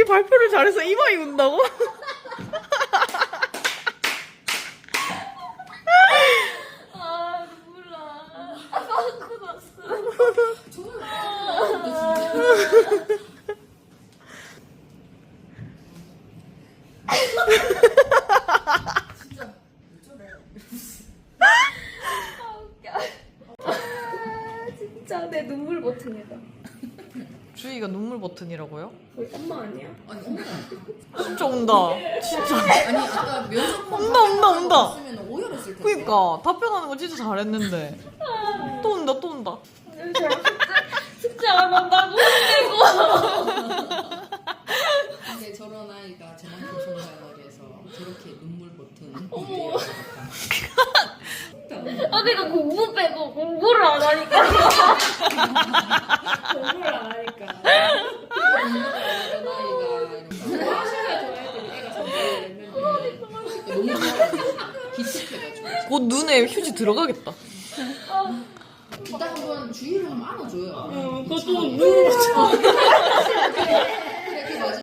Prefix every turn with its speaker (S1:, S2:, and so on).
S1: 발표를 잘해서 이마이 운다고?
S2: 아 몰라. 아 마스크 났어.
S3: 진짜 어쩌래.
S2: 아 웃겨. 아 진짜 내 눈물 버튼이다.
S1: 주희가 눈물 버튼이라고요?
S2: 우리 엄마 아니야?
S3: 아니 엄마.
S1: 진짜 온다. 진짜.
S3: 아니 아까 면접
S1: 온다.
S3: 쓰면 오열했을 텐데.
S1: 그니까 답변하는 거 진짜 잘했는데. 또 온다.
S2: 숙제 안 한다고?
S3: 근데 저런 아이가 저만큼 성장을 해서 저렇게 눈물 버튼.
S2: 어머. 아 내가 공부 빼고 공부를 안 하니까. 공부를 안 하니까.
S3: 저런 아이가
S2: 화실에 저 애들이 애가 성적을 냈는데.
S3: 너무 좋아가지고 기특해가지고.
S1: 곧 눈에 휴지 들어가겠다.
S3: 이따 한번 주의를 한번 안아줘요.
S2: 그것도 눈물.